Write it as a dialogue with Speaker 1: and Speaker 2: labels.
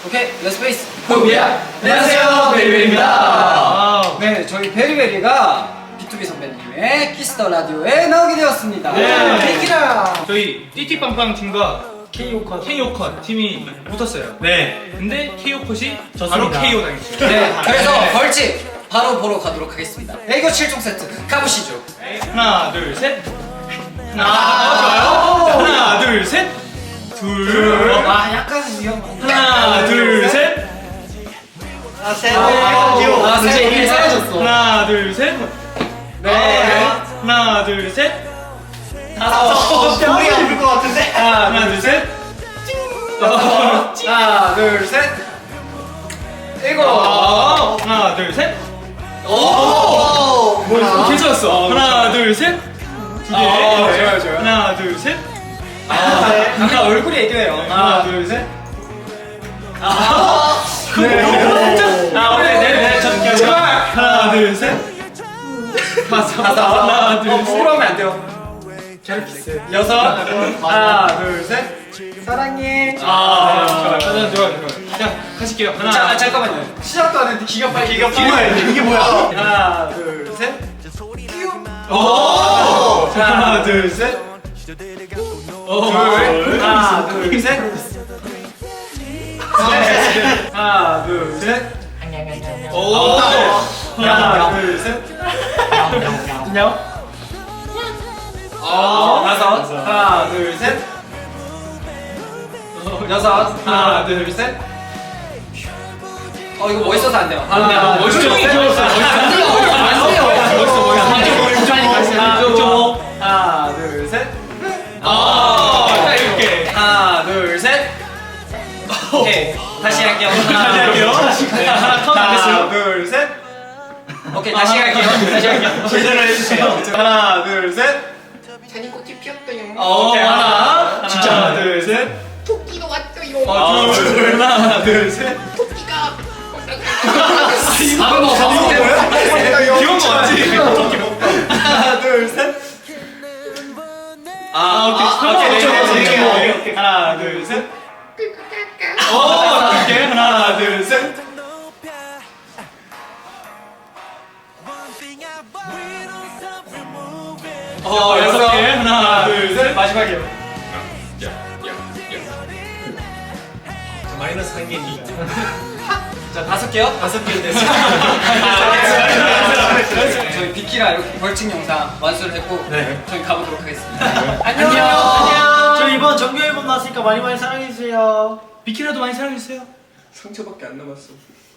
Speaker 1: 오케이, 렛츠페이스
Speaker 2: 후비야. 안녕하세요, 베리베리입니다.
Speaker 1: 네, 저희 베리베리가 B2B 선배님의 키스더 라디오에 나오게 되었습니다.
Speaker 2: 네.
Speaker 1: 비키라.
Speaker 3: 저희 띠띠빵빵 팀과 KO컷 팀이 붙었어요.
Speaker 2: 네.
Speaker 3: 근데 KO컷이 바로
Speaker 2: 좋습니다.
Speaker 3: KO 당했어요.
Speaker 1: 네, 그래서 벌칙 바로 보러 가도록 하겠습니다. 애교 7종 세트 가보시죠.
Speaker 3: 하나, 둘, 셋. 좋아요. 하나, 둘, 셋. 둘.
Speaker 1: 아, 약간 위험한.
Speaker 3: 하나, 둘, 셋.
Speaker 2: 귀여워.
Speaker 1: 아, 셋. 이미 쌓여졌어.
Speaker 3: 하나, 둘, 셋.
Speaker 1: 네.
Speaker 3: 하나, 둘, 셋.
Speaker 2: 우리 아플 것 같은데?
Speaker 3: 하나, 둘, 셋.
Speaker 1: 하나, 둘, 셋. 일곱.
Speaker 3: 하나, 둘, 셋.
Speaker 2: 오!
Speaker 3: 괜찮았어. 하나, 둘, 셋. 두 개.
Speaker 1: 좋아요, 좋아요.
Speaker 3: 하나, 둘, 셋.
Speaker 1: 아까 얼굴이 애교해요.
Speaker 3: 하나, 둘, 셋.
Speaker 1: 네.
Speaker 3: 아, 오케이, 네, 저
Speaker 1: 제발.
Speaker 3: 하나, 둘, 셋. 다섯. 하나, 둘, 셋.
Speaker 1: 부끄러우면 안 돼요. 여섯. 하나, 둘, 셋. 사랑해.
Speaker 3: 좋아요. 좋아요. 자, 가실게요. 하나.
Speaker 1: 자, 잠깐만요. 시작도 안 했는데 기가 빨리.
Speaker 2: 이게 뭐야?
Speaker 1: 하나, 둘, 셋.
Speaker 2: 오!
Speaker 1: 하나, 둘, 셋. 둘. 하나, 둘, 셋. 하나, 둘, 셋.
Speaker 3: 오.
Speaker 1: 하나, 둘, 셋. 안녕. 다섯. 하나, 둘, 셋. 여섯. 하나, 둘, 셋. 이거 멋있어서 안 돼요. 하나,
Speaker 3: 멋있어.
Speaker 1: 둘, 셋.
Speaker 3: 귀여웠어.
Speaker 1: 안 돼요. 안 돼요.
Speaker 3: 멋있어.
Speaker 1: 하나, 둘, 셋.
Speaker 3: 자, 이렇게.
Speaker 1: 하나, 둘, 셋. 오케이. 다시 할게요.
Speaker 3: 다시 할게요. 네, 하나 카운트 안 됐어요.
Speaker 1: 하나, 둘, 셋. 오케이, 다시 할게요. 다시 할게요.
Speaker 3: 제대로 해주세요.
Speaker 1: 하나, 둘, 셋.
Speaker 4: 잔이 꽃이 피었어요.
Speaker 1: 오케이, 하나.
Speaker 3: 진짜.
Speaker 1: 하나, 둘, 셋.
Speaker 4: 토끼가 왔어요.
Speaker 1: 둘. 하나, 둘, 셋.
Speaker 4: 토끼가
Speaker 3: 귀여운 거 맞지?
Speaker 1: 하나, 둘, 셋. 오케이. 하나, 둘, 셋. 오케이. 하나, 둘, 셋. 여섯 개. 하나, 둘, 셋. 마지막이요.
Speaker 2: 마이너스 한 개니까.
Speaker 1: 자, 다섯 개요?
Speaker 2: 다섯 개 됐어.
Speaker 1: 저희 비키라 이렇게 벌칙 영상 완수를 했고
Speaker 2: 네.
Speaker 1: 저희 가보도록 하겠습니다.
Speaker 2: 안녕. 저 이번 정규 앨범 나왔으니까 많이 사랑해주세요.
Speaker 3: 비키라도 많이 사랑해주세요.
Speaker 2: 상처밖에 안 남았어.